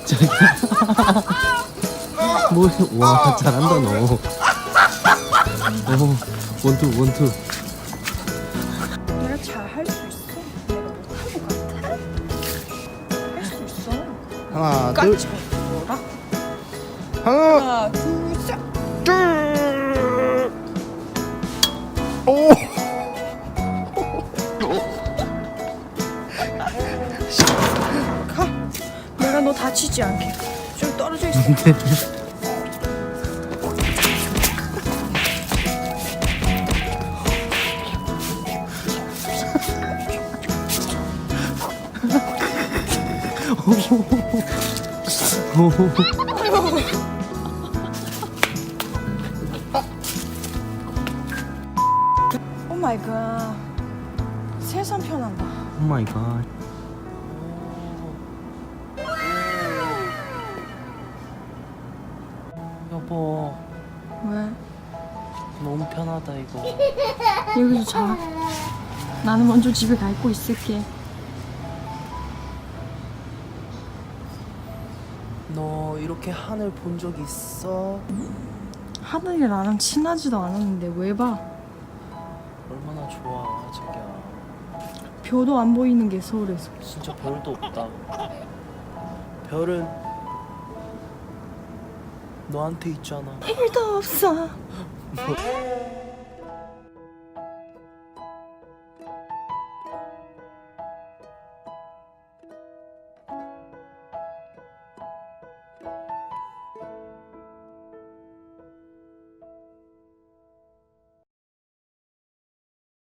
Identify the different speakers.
Speaker 1: 뭐, 와, 잘한다, 너. 오, 원투, 원투.
Speaker 2: 내가 잘 할 수 있어. 내가 못할 것 같아? 할 수 있어.
Speaker 1: 하나, 둘.
Speaker 2: 깜짝 놀라.
Speaker 1: 하나,
Speaker 2: 하나, 둘, 셋.
Speaker 1: 둘. 오.
Speaker 2: 가. 내가 너 다치지 않게. 좀 떨어져 있어. 오 마이 갓. 세상 편한다.
Speaker 1: 오 마이 갓.
Speaker 3: 여보,
Speaker 2: 왜?
Speaker 3: 너무 편하다 이거.
Speaker 2: 여기서 자. 나는 먼저 집에 가 있고 있을게.
Speaker 3: 너 이렇게 하늘 본 적 있어?
Speaker 2: 하늘이 나랑 친하지도 않았는데 왜 봐?
Speaker 3: 얼마나 좋아, 자기야.
Speaker 2: 별도 안 보이는 게 서울에서.
Speaker 3: 진짜 별도 없다. 별은 너한테 있잖아.
Speaker 2: 일도 없어.
Speaker 3: 뭐,